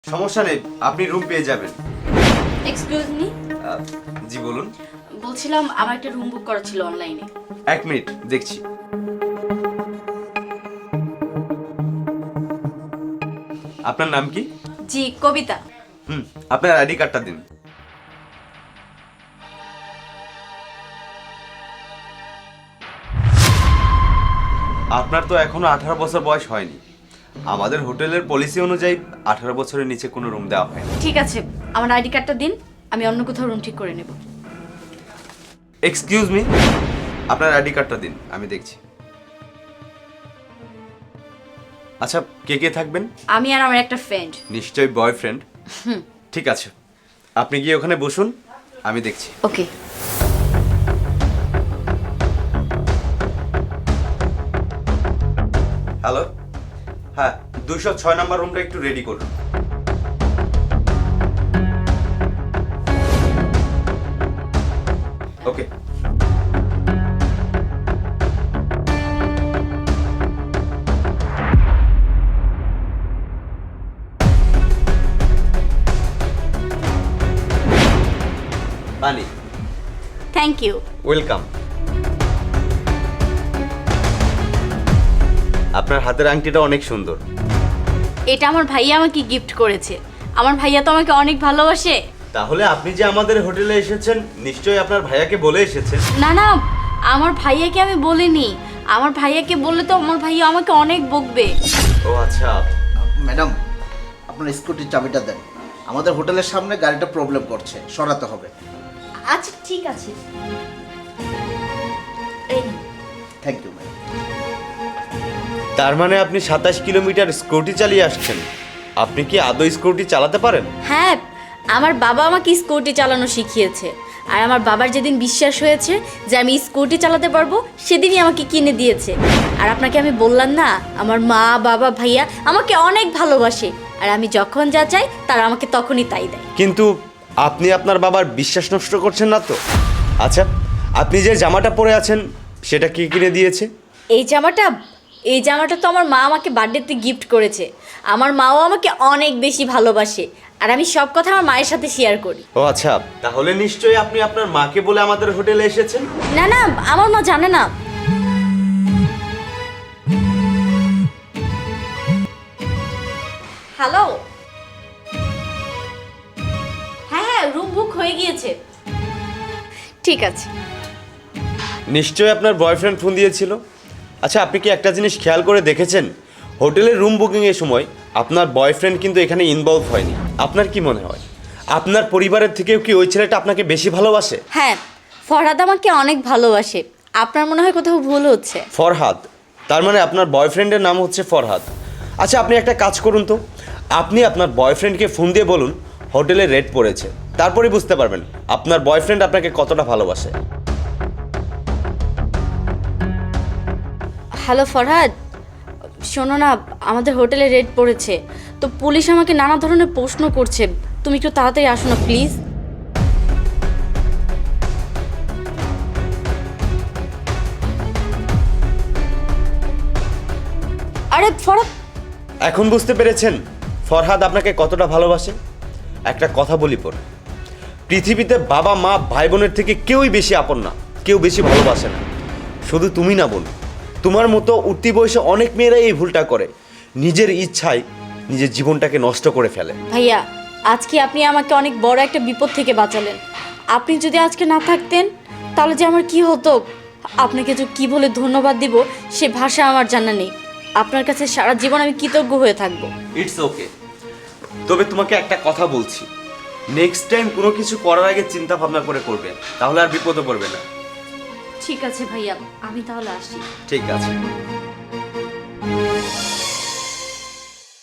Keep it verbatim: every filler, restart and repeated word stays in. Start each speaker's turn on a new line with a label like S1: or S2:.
S1: সমস্যা নেই, আপনি রুম পেয়ে যাবেন।
S2: Excuse me.
S1: জি বলুন।
S2: বলছিলাম আমার একটা রুম বুক করা ছিল অনলাইনে।
S1: এক মিনিট দেখছি। আপনার নাম কি?
S2: জি কবিতা।
S1: হুম, আপনার আইডি কার্ডটা দিন। আপনার তো এখনো আঠারো বছর বয়স হয়নি। আমাদের হোটেলের পলিসি অনুযায়ী আঠারো বছরের নিচে কোনো রুম দেওয়া হয় না।
S2: ঠিক আছে, আমার আইডি কার্ডটা দিন, আমি অন্য কোথাও রুম ঠিক করে নেব।
S1: এক্সকিউজ মি, আপনার আইডি কার্ডটা দিন, আমি দেখছি। আচ্ছা, কে কে থাকবেন?
S2: আমি আর আমার একটা ফ্রেন্ড।
S1: নিশ্চয়ই বয়ফ্রেন্ড। ঠিক আছে, আপনি গিয়ে ওখানে বসুন, আমি দেখছি।
S2: ওকে।
S1: হ্যালো, হ্যাঁ, দুইশো ছয় নম্বর রুমটা একটু রেডি করুন। ওকে। পানি।
S2: Thank you.
S1: ওয়েলকাম। আপনার হাতের আংটিটা অনেক সুন্দর।
S2: এটা আমার ভাইয়া আমাকে গিফট করেছে। আমার ভাইয়া তো আমাকে অনেক ভালোবাসে।
S1: তাহলে আপনি যে আমাদের হোটেলে এসেছেন, নিশ্চয়ই আপনার ভাইয়াকে বলে এসেছেন।
S2: না না, আমার ভাইয়াকে আমি বলিনি। আমার ভাইয়াকে বললে তো আমার ভাইয়া আমাকে অনেক বকবে।
S1: ও আচ্ছা।
S3: ম্যাডাম, আপনার স্কুটির চাবিটা দেন। আমাদের হোটেলের সামনে গাড়িটা প্রবলেম করছে, সরাতে হবে।
S2: আচ্ছা ঠিক আছে। এই নিন।
S3: Thank you madam.
S1: তার মানে আপনি সাতাশ কিলোমিটার স্কুটি চালিয়ে আসছেন। আপনি কি আদৌ স্কুটি চালাতে পারেন?
S2: হ্যাঁ, আমার বাবা আমাকে স্কুটি চালানো শিখিয়েছে। আর আমার বাবার যেদিন বিশ্বাস হয়েছে যে আমি স্কুটি চালাতে পারবো, সেদিনই আমাকে কিনে দিয়েছে। আর আপনাকে আমি বললাম না, আমার মা বাবা ভাইয়া আমাকে অনেক ভালোবাসে। আর আমি যখন যা চাই তারা আমাকে তখনই তাই দেয়।
S1: কিন্তু আপনি আপনার বাবার বিশ্বাস নষ্ট করছেন না তো? আচ্ছা, আপনি যে জামাটা পরে আছেন সেটা কি কিনে দিয়েছে?
S2: এই জামাটা এই জামাটা তো আমার মা আমাকে বার্থডেতে গিফট করেছে। আমার মাও আমাকে অনেক বেশি ভালোবাসে। আর আমি সব কথা আমার মায়ের সাথে শেয়ার করি।
S1: ও আচ্ছা, তাহলে নিশ্চয়ই আপনি আপনার মাকে বলে আমাদের হোটেলে এসেছেন।
S2: না না, আমার মা জানে না। হ্যালো। হ্যাঁ হ্যাঁ, রুম বুক হয়ে গিয়েছে। ঠিক আছে।
S1: নিশ্চয়ই আপনার বয়ফ্রেন্ড ফোন দিয়েছিল। আচ্ছা, আপনি কি একটা জিনিস খেয়াল করে দেখেছেন, হোটেলের রুম বুকিংয়ের সময় আপনার বয়ফ্রেন্ড কিন্তু এখানে ইনভলভ হয়নি। আপনার কি মনে হয়, আপনার পরিবারের থেকেও কি ওই ছেলেটা আপনাকে বেশি ভালোবাসে?
S2: হ্যাঁ, ফরহাদ আমাকে অনেক ভালোবাসে। আপনার মনে হয় কোথাও ভুল হচ্ছে।
S1: ফরহাদ? তার মানে আপনার বয়ফ্রেন্ডের নাম হচ্ছে ফরহাদ। আচ্ছা, আপনি একটা কাজ করুন তো, আপনি আপনার বয়ফ্রেন্ডকে ফোন দিয়ে বলুন হোটেলে রেট পড়েছে, তারপরে বুঝতে পারবেন আপনার বয়ফ্রেন্ড আপনাকে কতটা ভালোবাসে।
S2: হ্যালো ফরহাদ, শোনো না, আমাদের হোটেলে রেড পড়েছে। তো পুলিশ আমাকে নানা ধরনের প্রশ্ন করছে। তুমি একটু তাড়াতাড়ি আসো না প্লিজ। আরে ফরহাদ।
S1: এখন বুঝতে পেরেছেন ফরহাদ আপনাকে কতটা ভালোবাসে? একটা কথা বলি পর, পৃথিবীতে বাবা মা ভাই বোনের থেকে কেউই বেশি আপন না, কেউ বেশি ভালোবাসে না। শুধু তুমি না বোন, তোমার মতো উঠতি বয়সে অনেক মেয়েরাই এই ভুলটা করে, নিজের ইচ্ছায় নিজের জীবনটাকে নষ্ট করে ফেলে।
S2: ভাইয়া, আজকে আপনি আমাকে অনেক বড় একটা বিপদ থেকে বাঁচালেন। আপনি যদি আজকে না থাকতেন তাহলে যে আমার কি হতো, আপনাকে যে কি বলে ধন্যবাদ দিব সে ভাষা আমার জানা নেই। আপনার কাছে সারা জীবন আমি কৃতজ্ঞ হয়ে থাকবো।
S1: It's okay. তবে তোমাকে একটা কথা বলছি, নেক্সট টাইম কোনো কিছু করার আগে চিন্তা ভাবনা করে করবে, তাহলে আর বিপদে পড়বে না।
S2: ঠিক আছে ভাইয়া, আমি তাহলে আসি।
S1: ঠিক আছে।